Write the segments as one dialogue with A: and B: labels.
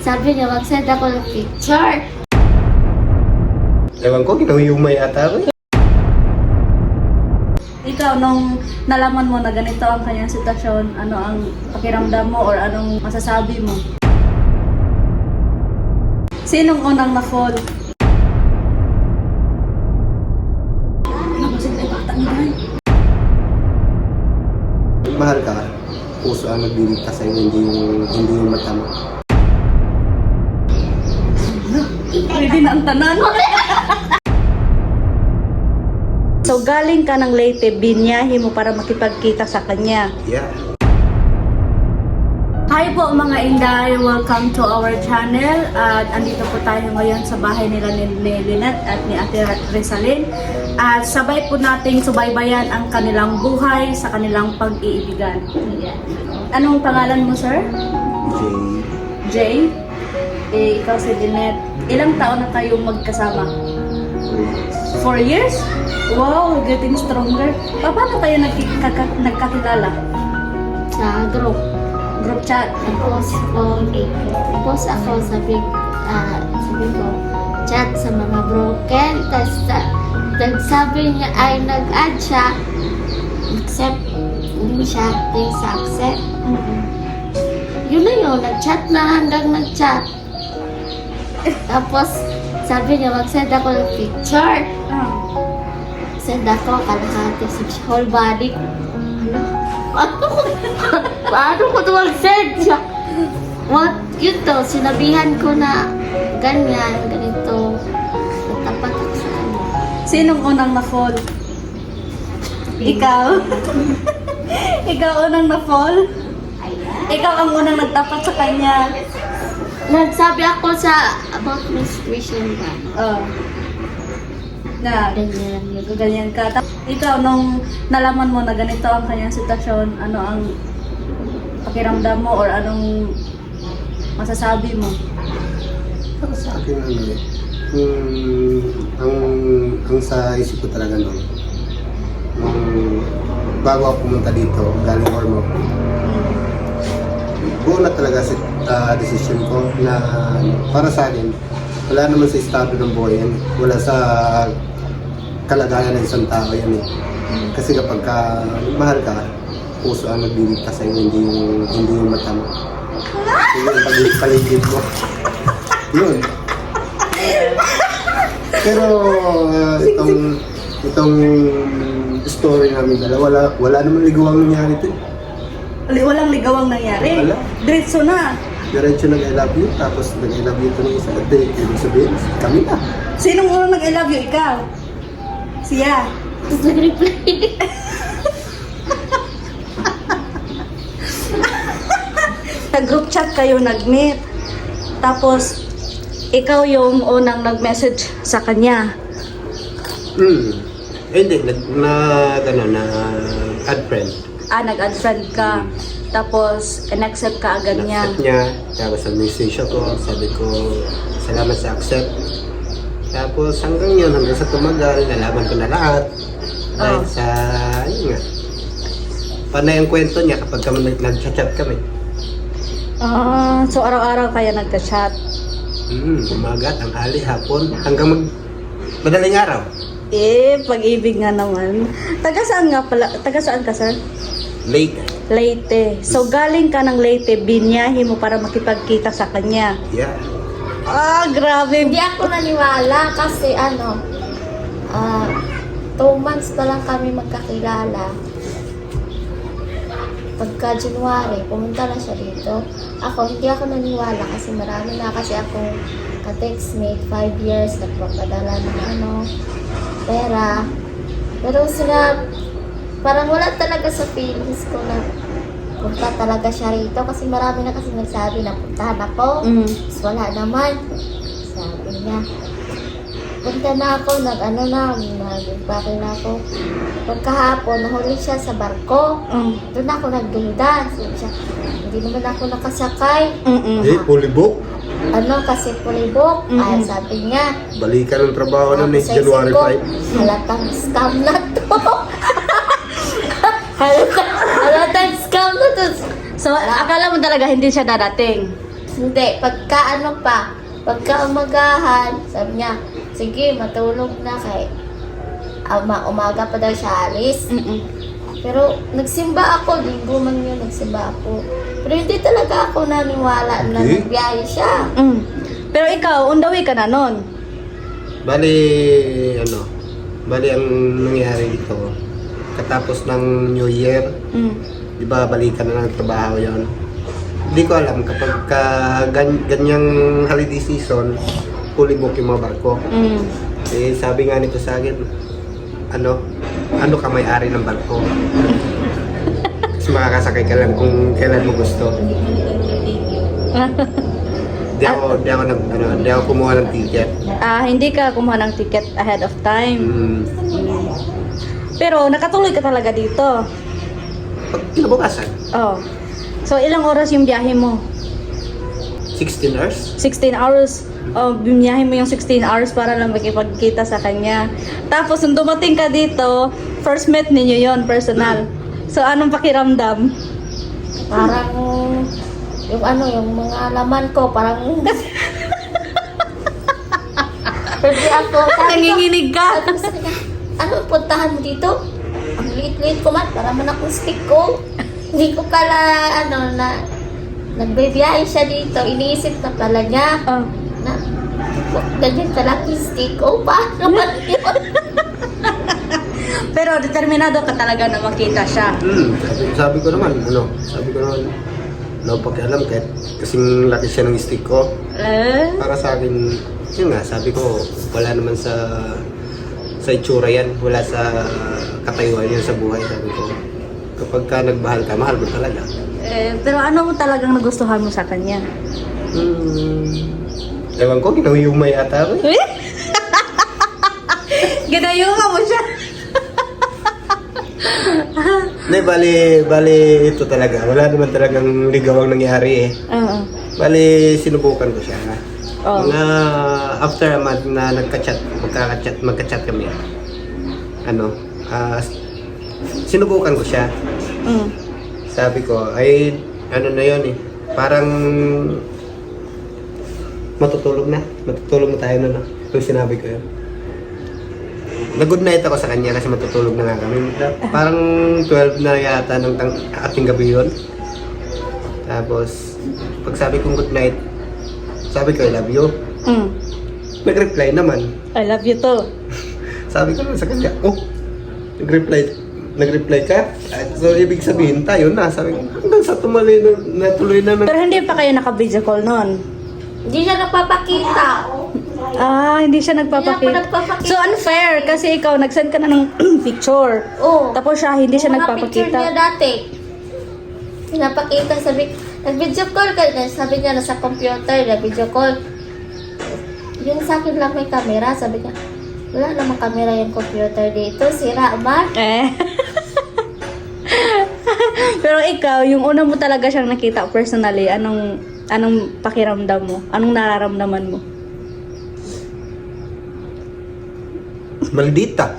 A: Sabi niya, mag-send ako ng picture.
B: Ewan ko, ginahuyumay ata ako.
C: Ikaw, nung nalaman mo na ganito ang kanyang sitwasyon, ano ang pakiramdam mo or anong masasabi mo? Sinong unang na-fall?
B: Mahal ka, puso ang nagbibigta sa'yo, hindi yung mata mo.
C: Pwede na ang tanan. So galing ka ng Leyte, binyahe mo para makipagkita sa kanya.
B: Yeah.
C: Hi po mga Inday! Welcome to our channel. At andito po tayo ngayon sa bahay nila ni Lynette at ni Ate Rizalyn. At sabay po nating subaybayan ang kanilang buhay sa kanilang pag-iibigan. Anong pangalan mo, sir? Jay? Ikaw si Lynette. Ilang taon na kayong magkasama? 4 years? Wow, getting stronger. Paano kayo nagkakilala?
A: Sa group.
C: Group chat?
A: Post ako sabi ko, chat sa mga broken. Tapos nagsabi niya ay nag-add siya. Accept. Hindi siya active sa accept. Yun na yun, nag-chat na hanggang nag-chat. Tapos sabi niya, mag-send ako ng picture. Send ako, kalahati sa whole body. Paano ko ito mag-send siya? What? Yun to, sinabihan ko na ganyan, ganito. Natapat ako sa kanya.
C: Sinong unang na-fall? Ikaw? Ikaw unang na-fall? Ikaw ang unang nagtapat sa kanya.
A: Nagsabi ako sa about my situation ba?
C: Na
A: Ganyan yun.
C: ganyan ka. Ikaw, nung nalaman mo na ganito ang kanyang sitwasyon, ano ang pakiramdam mo or anong masasabi mo?
B: Para sa akin, ang sa isip ko talaga noon, bago ako pumunta dito, galing Ormoc, buo na talaga sa decision ko na para sa akin, wala naman sa estado ng buhay yan. Wala sa kalagayan ng isang tao yan eh. Kasi kapag mahal ka, puso ang nagbibigta sa'yo, hindi yung mata mo. Hindi yung paligid mo. Yun. Pero itong story namin dalawa, wala naman ligawang nangyari ito.
C: Walang ligawang nangyari?
B: Wala.
C: Diretso na.
B: Diretso nag-I love you, tapos nag-I love you ito ng isa. Date, ibig sabihin, kami na.
C: Sinong unang nag-I love you? Ikaw? Siya?
A: Tapos nag-reply.
C: Sa group chat kayo nag-meet. Tapos, ikaw yung unang nag-message sa kanya.
B: Hindi, add friend.
C: Nag-add friend ka. Tapos, in-accept ka agad niya.
B: Accept niya, tapos message ako, sabi ko, salamat sa accept. Tapos hanggang yun, hanggang sa tumagal, nalaman ko na lahat. Dahil sa, yun nga, panay ang kwento niya kapag kami nag-chat kami.
C: So araw-araw kaya nagka-chat?
B: Umaga, tanghali, hapon, hanggang madaling araw.
C: Pag-ibig nga naman. Taga saan nga pala? Taga saan ka, sir?
B: Late.
C: So galing ka ng Leyte, binyahe mo para makipagkita sa kanya.
B: Yeah.
C: Grabe.
A: Hindi ako naniwala kasi 2 months pa lang kami magkakilala. Pagka January, pumunta na siya dito. Hindi ako naniwala kasi marami na kasi akong ka-textmate, 5 years, nagpapadala ng pera. Pero parang wala talaga sa feelings ko na punta talaga siya rito kasi marami na kasi nagsabi na puntahan ako. Tapos wala naman. Sabi niya, punta na ako, nag-bakil na ako. Pagkahapon, nahuli siya sa barko. Doon ako nagduldan. Sabi siya, hindi naman ako nakasakay.
B: Fully book.
A: Kasi pulibok. Ay, sabi niya,
B: Balikan ng trabaho na ni
A: sa
B: January
A: isip ko,
B: 5.
A: halatang scam na to. halatang scam na to.
C: So akala mo talaga hindi siya dadating?
A: Hindi, pagka umagahan, sabi niya, sige, matulog na kay umaga pa daw siya alis. Pero nagsimba ako, linggo man yun, nagsimba ako. Pero hindi talaga ako naniwala na
B: Okay.
A: nagbiyahe siya.
C: Pero ikaw, on the way ka na nun.
B: Bali, ang nangyari dito, katapos ng New Year, di ba balikan na ng trabaho yon. Hindi ko alam kapag ganyang holiday season, fully book yung mga barko. Eh, sabi nga nito sa akin, ano ka may-ari ng barko? Kasi makakasakay ka lang kung kailan mo gusto. Di ako kumuha ng ticket.
C: Hindi ka kumuha ng ticket ahead of time. Pero nakatuloy ka talaga dito.
B: Pag kinabukasan,
C: Oh. So, ilang oras yung biyahe mo?
B: 16 hours.
C: 16 hours. Oh, bimiyahe mo yung 16 hours para lang makipagkita sa kanya. Tapos, nung dumating ka dito, first met ninyo yon personal. So, anong pakiramdam?
A: Parang, yung mga laman ko, parang... Pwede ako.
C: Nanginginig ka.
A: Sabi ko sa kanya, anong puntahan mo dito? Ang liit-liit ko man, para man akong stick ko. Hindi ko pala, nagbibiyahe siya dito. Iniisip na pala niya
C: Oh.
A: na, ganyan kalaki stick ko pa. Naman yun.
C: Pero determinado ka talaga na makita siya.
B: Sabi ko naman, pakialam kahit kasing laki siya ng stick ko. Para sa akin, yun nga, sabi ko, wala naman sa itsura yan, wala sa katayuan yan sa buhay, sabi ko. Kapag ka nagmahal ka, mahal mo talaga.
C: Pero ano mo talagang nagustuhan mo sa kanya?
B: Ewan ko, ginawiyumay ata ako eh.
C: Ginayuma mo siya.
B: Hindi, bali ito talaga. Wala naman talagang ligawang nangyari eh.
C: Oo.
B: Bali, sinubukan ko siya.
C: Oh.
B: Mga after a month na magka-chat kami. Sinubukan ko siya. Sabi ko, ay, na yun eh. Parang matutulog na tayo na. Yung sinabi ko yun. Nag-good night ako sa kanya kasi matutulog na nga kami. Parang 12 na yata ng ating gabi yun. Tapos, pag sabi kong good night, sabi ko, I love you. Nag-reply naman.
C: I love you too.
B: Sabi ko naman sa kanya, nag-reply ka? So, ibig sabihin tayo na. Sabi ko, hanggang sa natuloy na.
C: Pero hindi pa kayo naka-video call noon.
A: Hindi siya nagpapakita.
C: Hindi siya
A: Hindi ako
C: nagpapakita.
A: nagpapakita.
C: So unfair kasi ikaw nag-send ka na ng picture.
A: Oo.
C: Tapos siya hindi siya
A: Yung mga picture niya
C: nagpapakita.
A: dati. Pinapakita, nag-video call ka. Sabi niya, nasa computer, nag-video call. Yung sa akin lang may camera, sabi niya, wala namang camera yung computer dito, sira man.
C: Pero ikaw, yung una mo talaga siyang nakita personally, anong pakiramdam mo? Anong nararamdaman mo?
B: Maldita.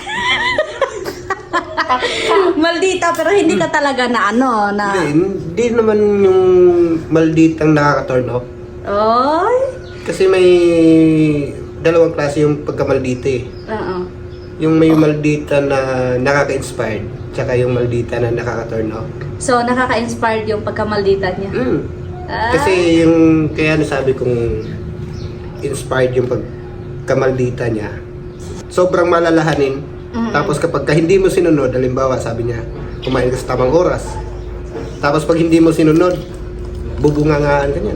C: Maldita, pero hindi ka talaga na
B: Hindi naman yung malditang nakaka-turn off.
C: Oy?
B: Kasi may dalawang klase yung pagkamaldita eh.
C: Oo.
B: Yung may maldita na nakaka-inspired, tsaka yung maldita na nakaka-turn off.
C: So, nakaka-inspired yung pagkamaldita niya.
B: Kasi yung, kaya nasabi kong inspired yung pagkamaldita niya, sobrang malalahanin. Tapos kapag hindi mo sinunod, halimbawa sabi niya, kumain ka sa tamang oras. Tapos pag hindi mo sinunod, bubungangaan ka niyan.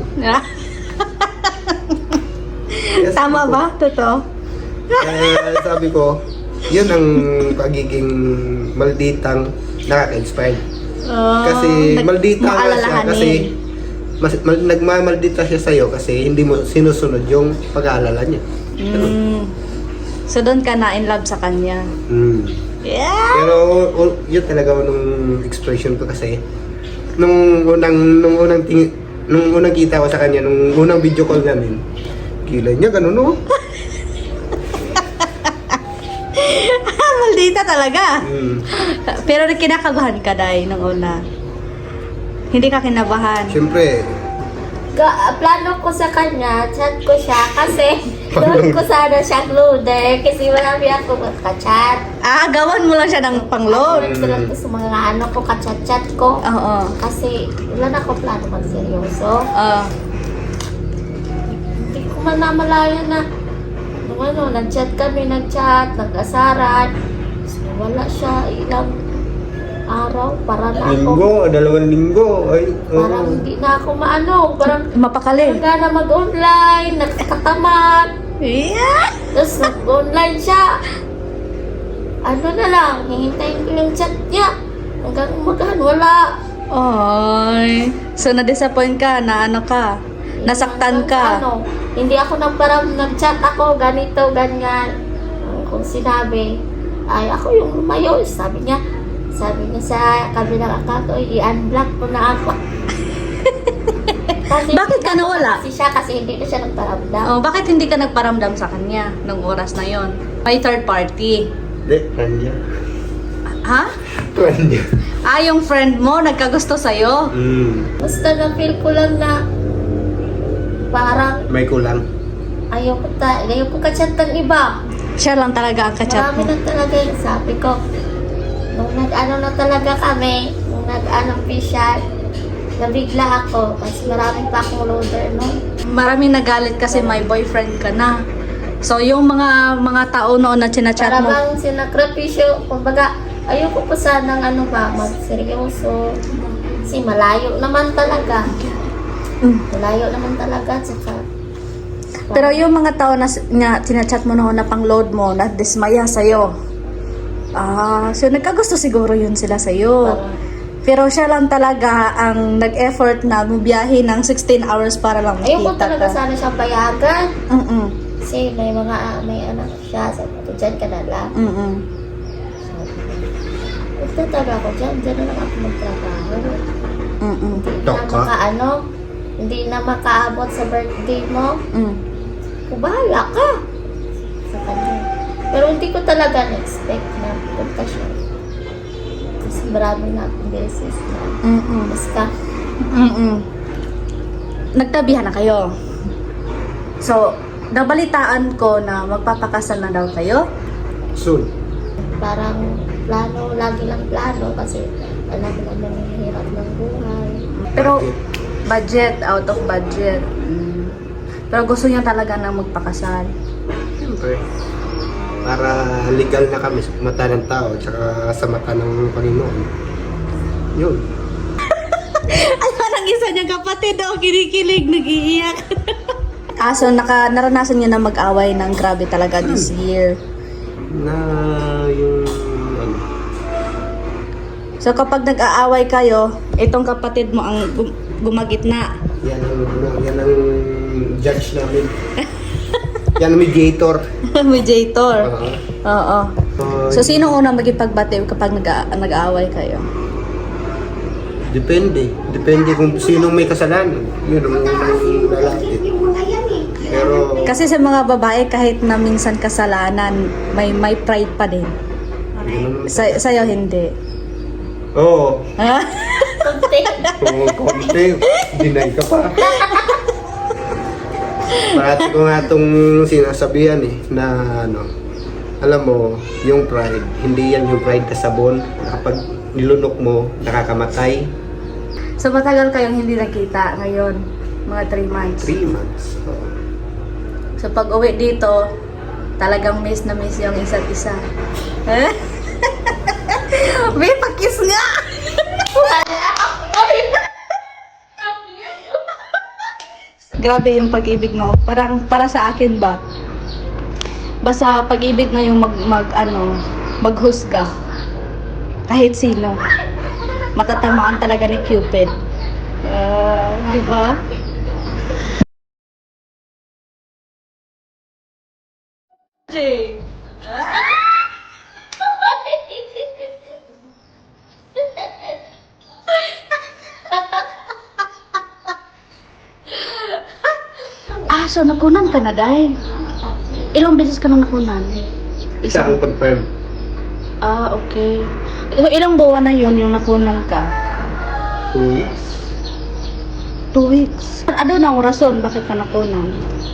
B: Yes,
C: Tama ba? Totoo?
B: Kaya sabi ko, yun ang pagiging malditang nakaka-inspired. Kasi maldita nga siya kasi nagmamaldita siya sa'yo kasi hindi mo sinusunod yung pag-aalala niya.
C: So, doon ka na in love sa kanya. Yeah!
B: Pero yun talaga nung expression ko kasi nung unang kita ko sa kanya, nung unang video call namin, kilay niya ganun no?
C: Maldita talaga. Pero kinakabahan ka dahil nung una. Hindi ka kinabahan.
B: Siyempre,
A: plano ko sa kanya, chat ko siya kasi doon ko sana siya loader kasi marami ako ka-chat.
C: Ah, gawan mo lang siya ng pang-load.
A: Sila ko sa mga ano ko, ka-chat-chat ko.
C: Oo.
A: Kasi wala na ako plano mag-seryoso. Hindi ko man namalayan na nung ano, nag-chat kami, nag-asaran. So, wala siya ilang araw para na ako.
B: Linggo, 2 linggo. Ay,
A: Parang hindi na ako maano. Parang
C: Mapakali.
A: hanggang na mag-online, nakakatamad.
C: Yeah.
A: Tapos nag-online siya. Ano na lang, hihintayin ko yung chat niya. Hanggang umagaan, wala.
C: Oy. So, na-disappoint ka na ano ka? Nasaktan ka?
A: Ano, hindi ako nag-chat ako, ganito, ganyan. Kung sinabi, ay ako yung lumayo. Sabi niya sa kabilang account, i-unblock ko na ako. Kasi
C: Bakit ka nawala?
A: Kasi hindi na siya nagparamdam.
C: Oh, bakit hindi ka nagparamdam sa kanya nung oras na yon? May third party.
B: Hindi, friend niya.
C: Ha?
B: Friend niya.
C: Ah, yung friend mo nagkagusto sa'yo?
A: Basta na-feel ko lang na parang
B: May kulang.
A: ayoko ka-chat ng iba.
C: Siya lang talaga ang kachat
A: Marami
C: mo.
A: na talaga yung sabi ko. Nung nag-ano na talaga kami, nung nag-ano official, nabigla ako kasi marami pa akong loader noon.
C: Maraming nagalit kasi may boyfriend ka na. So, yung mga tao noon na chinachat
A: Para
C: mo,
A: bang sinakripisyo, kumbaga, ayoko pa sanang ano ba, magseryoso. Kasi malayo naman talaga. Malayo naman talaga, tsaka
C: pero yung mga tao na chinachat mo noon na pang-load mo, na dismaya sa'yo. Ah, so nagkagusto siguro yun sila sa'yo.
A: parang
C: Pero siya lang talaga ang nag-effort na bumiyahe ng 16 hours para lang
A: ayoko
C: makita
A: talaga
C: ka.
A: sana siyang payagan.
C: Mm-mm.
A: Kasi may anak siya, sabi ko, dyan ka na lang.
C: Mm-mm.
A: Magtataga ako dyan na lang ako magtrabaho.
C: Mm-mm.
A: Hindi na makaabot sa birthday mo. Bahala ka sa kanya. Pero hindi ko talaga na-expect na punta siya. Kasi marami na akong beses na basta.
C: Nagtabihan na kayo. So, nabalitaan ko na magpapakasal na daw kayo.
B: Soon.
A: Parang plano, lagi lang plano kasi alam mo naman yung hirap ng buhay.
C: Pero, budget, out of budget. Pero gusto niya talaga na magpakasal.
B: Siyempre. Para legal na kami sa mata ng tao tsaka sa mata ng Panginoon. Yun.
C: Ay, parang isa niyang kapatid daw, kinikilig, nag-iiyak. So naranasan niyo na mag-away ng grabe talaga this year.
B: Na yung ano.
C: So kapag nag-aaway kayo, itong kapatid mo ang gumagitna.
B: Yan ang judge namin. Yan ang mediator.
C: Mediator. Oo.
B: Uh,
C: So sino unang magipagbatid kapag nag-aaway kayo?
B: Depende. Depende kung sinong may kasalanan. Yun ang lalapit. Pero
C: Kasi sa mga babae kahit na minsan kasalanan, may pride pa din. Sa'yo hindi.
B: oo.
C: Ha?
B: Konti. Deny ka pa. Parati ko nga itong sinasabihan na ano, alam mo, yung pride, hindi yan yung pride kasabon. Kapag nilunok mo, nakakamatay.
C: So matagal kayong hindi nakita ngayon, mga 3 months.
B: 3 months. Oo.
C: So pag uwi dito, talagang miss na miss yung isa't isa. Eh? May pakis nga! Grabe yung pag-ibig mo. Parang para sa akin ba? Basta pag-ibig na yung maghusga. Kahit sino. Matatamaan talaga ni Cupid. Di ba? Jay. So nakunan ka na dahil. Ilang beses ka na nakunan?
B: Isa ang confirm.
C: Okay. Ilang buwan na yun yung nakunan ka?
B: 2 weeks.
C: 2 weeks. Ano na ang rason bakit ka nakunan?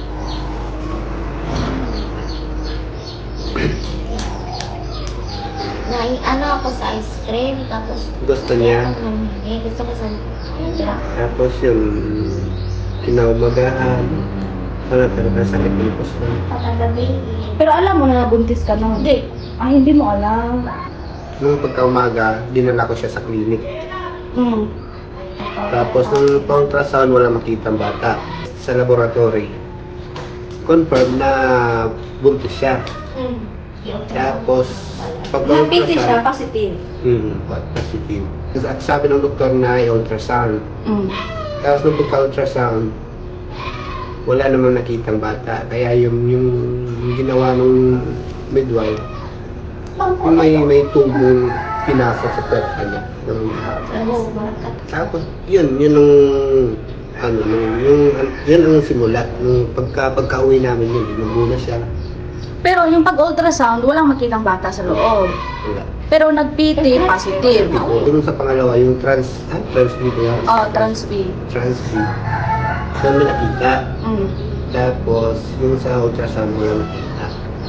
A: Ano ako sa ice cream, tapos
B: Gusto niya.
A: gusto ko sa pizza.
B: Tapos yung kinaumagahan, wala talaga sakit ng puso.
A: Patagabi.
C: Pero alam mo na nabuntis ka na?
A: Hindi.
C: Ay, hindi mo alam.
B: Nung pagkaumaga, dinala ko siya sa clinic.
C: Mm.
B: Tapos nung ultrasound, wala makitang bata. Sa laboratory, confirm na buntis siya. Tapos,
C: Napiti siya, positive.
B: positive. At sabi ng doktor na i-ultrasound.
C: Mm.
B: Tapos nung pagka-ultrasound, wala namang nakitang bata. Kaya yung ginawa ng midwife, yung may tubong pinasok sa puwet niya. Tapos, yun ang yun ang simula. Nung pagka-uwi namin yun, lumuna siya.
C: Pero yung pag-ultrasound, walang makitang bata sa loob.
B: Wala.
C: Pero nag-PT, positive.
B: Yung sa pangalawa, yung transmit yan.
C: Oh, trans-B.
B: Transmit. Doon may nakita.
C: Mm.
B: Tapos, yung sa ultrasound, wala nakita.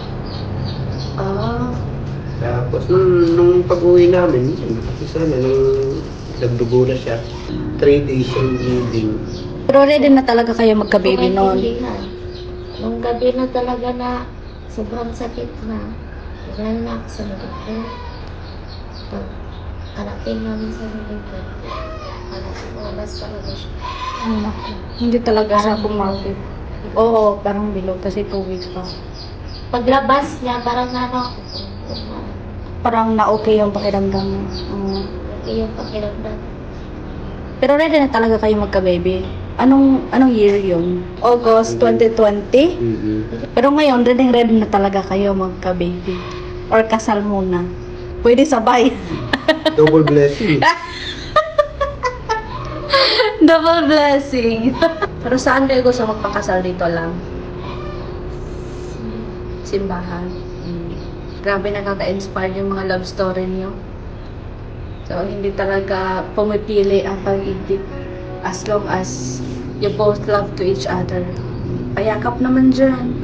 C: Ah.
B: Tapos, nung pag-uwi namin, yun, isa na, nung nagdugo na siya, 3 days yung bleeding.
C: Pero ready na talaga kayo magka-baby noon.
A: Nung gabi na talaga na sobrang sakit na. Wala na ako sa doktor. Pag kalapin namin sa doktor, lumabas talaga siya.
C: Hindi talaga siya kumapit. Oo, parang bilog kasi 2 weeks pa.
A: Paglabas niya, parang
C: Parang na-okay yung pakiramdam mo.
A: yung pakiramdam.
C: Pero ready na talaga kayo magka-baby. Anong year yun? August 2020? Pero ngayon, ready na talaga kayo magka-baby. Or kasal muna. Pwede sabay.
B: Double blessing.
C: Double blessing. Pero saan kayo gusto magpakasal dito lang? Simbahan. Grabe, nakaka-inspire yung mga love story niyo. So, hindi talaga pumipili ang pag-ibig as long as you both love to each other. Payakap naman dyan.